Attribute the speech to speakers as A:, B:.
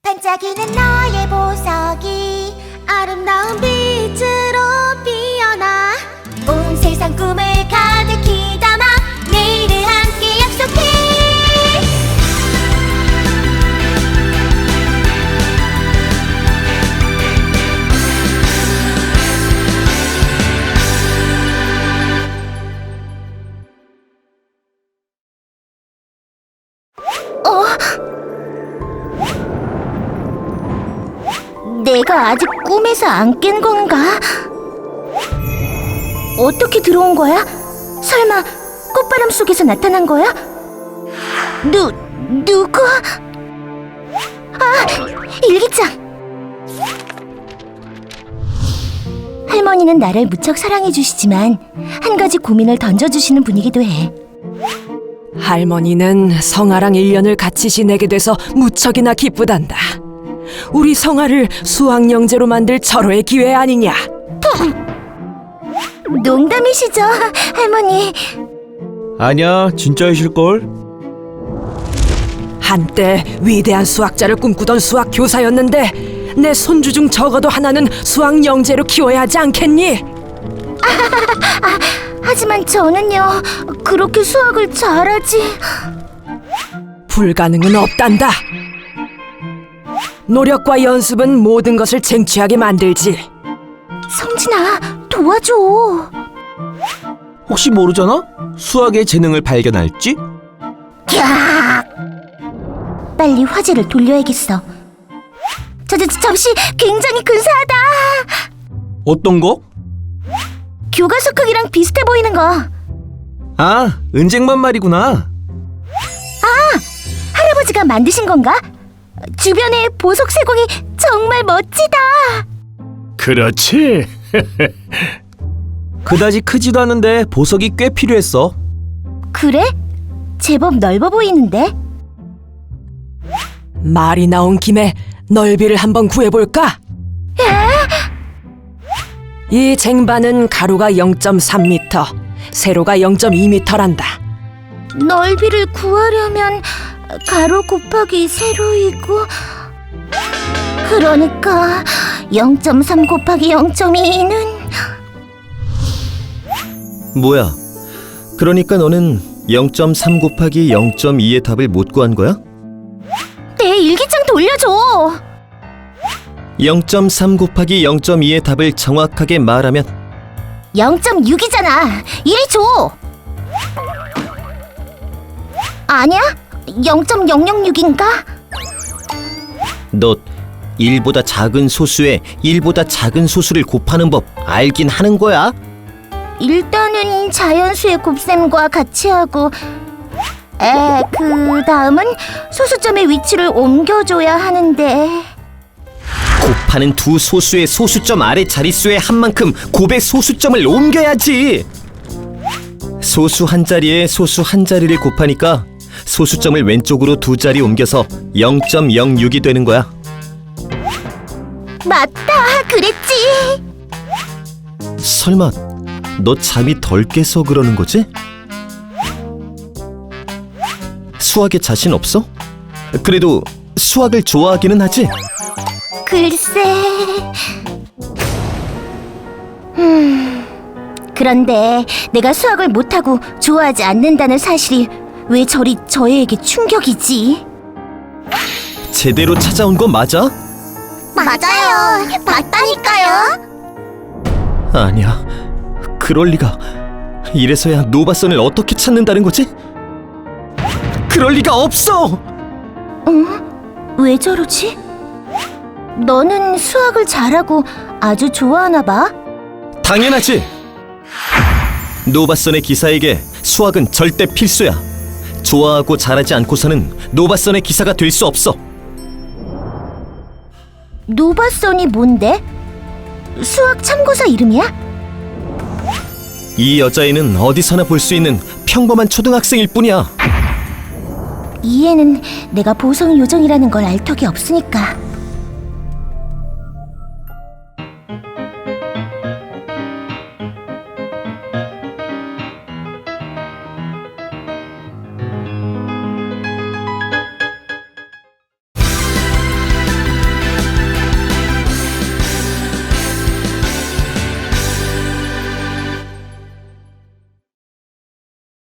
A: 반짝이는 너의 보석이 아름다운 빛으로 피어나 온 세상 꿈을 가득히 담아 내일을 함께 약속해. 내가 아직 꿈에서 안 깬 건가? 어떻게 들어온 거야? 설마 꽃바람 속에서 나타난 거야? 누구? 아, 일기장! 할머니는 나를 무척 사랑해 주시지만 한 가지 고민을 던져주시는 분이기도 해.
B: 할머니는 성아랑 1년을 같이 지내게 돼서 무척이나 기쁘단다. 우리 성아를 수학영재로 만들 절호의 기회 아니냐?
A: 농담이시죠, 할머니?
C: 아니야, 진짜이실걸?
B: 한때 위대한 수학자를 꿈꾸던 수학 교사였는데 내 손주 중 적어도 하나는 수학영재로 키워야 하지 않겠니?
A: 하지만 저는요, 그렇게 수학을 잘하지.
B: 불가능은 없단다. 노력과 연습은 모든 것을 쟁취하게 만들지.
A: 성진아, 도와줘.
C: 혹시 모르잖아? 수학의 재능을 발견할지?
A: 빨리 화제를 돌려야겠어. 잠시, 굉장히 근사하다.
C: 어떤 거?
A: 교과서 크기랑 비슷해 보이는 거.
C: 아, 은쟁반 말이구나.
A: 할아버지가 만드신 건가? 주변에 보석 세공이 정말 멋지다.
D: 그렇지.
C: 그다지 크지도 않은데 보석이 꽤 필요했어.
A: 그래? 제법 넓어 보이는데?
B: 말이 나온 김에 넓이를 한번 구해볼까? 이 쟁반은 가로가 0.3m, 세로가 0.2m란다.
A: 넓이를 구하려면 가로 곱하기 세로이고, 그러니까 0.3 곱하기 0.2는
E: 뭐야? 그러니까 너는 0.3 곱하기 0.2의 답을 못 구한 거야?
A: 내 일기장 돌려줘.
E: 0.3 곱하기 0.2의 답을 정확하게 말하면
A: 0.6이잖아. 이리 줘. 아니야? 0.006인가?
E: 너 1보다 작은 소수에 1보다 작은 소수를 곱하는 법 알긴 하는 거야?
A: 일단은 자연수의 곱셈과 같이 하고, 그 다음은 소수점의 위치를 옮겨줘야 하는데.
E: 곱하는 두 소수의 소수점 아래 자릿수의 한 만큼 곱의 소수점을 옮겨야지. 소수 한 자리에 소수 한 자리를 곱하니까 소수점을 왼쪽으로 두 자리 옮겨서 0.06이 되는 거야.
A: 맞다, 그랬지.
E: 설마 너 잠이 덜 깨서 그러는 거지? 수학에 자신 없어? 그래도 수학을 좋아하기는 하지?
A: 글쎄. 그런데 내가 수학을 못하고 좋아하지 않는다는 사실이 왜 저리 저희에게 충격이지?
E: 제대로 찾아온 거 맞아?
A: 맞아요. 맞다니까요.
E: 아니야, 그럴 리가. 이래서야 노바선을 어떻게 찾는다는 거지? 그럴 리가 없어!
A: 왜 저러지? 너는 수학을 잘하고 아주 좋아하나 봐?
E: 당연하지! 노바선의 기사에게 수학은 절대 필수야. 좋아하고 잘하지 않고서는 노바선의 기사가 될 수 없어.
A: 노바선이 뭔데? 수학 참고서 이름이야?
E: 이 여자애는 어디서나 볼 수 있는 평범한 초등학생일 뿐이야.
A: 이 애는 내가 보성 요정이라는 걸 알 턱이 없으니까.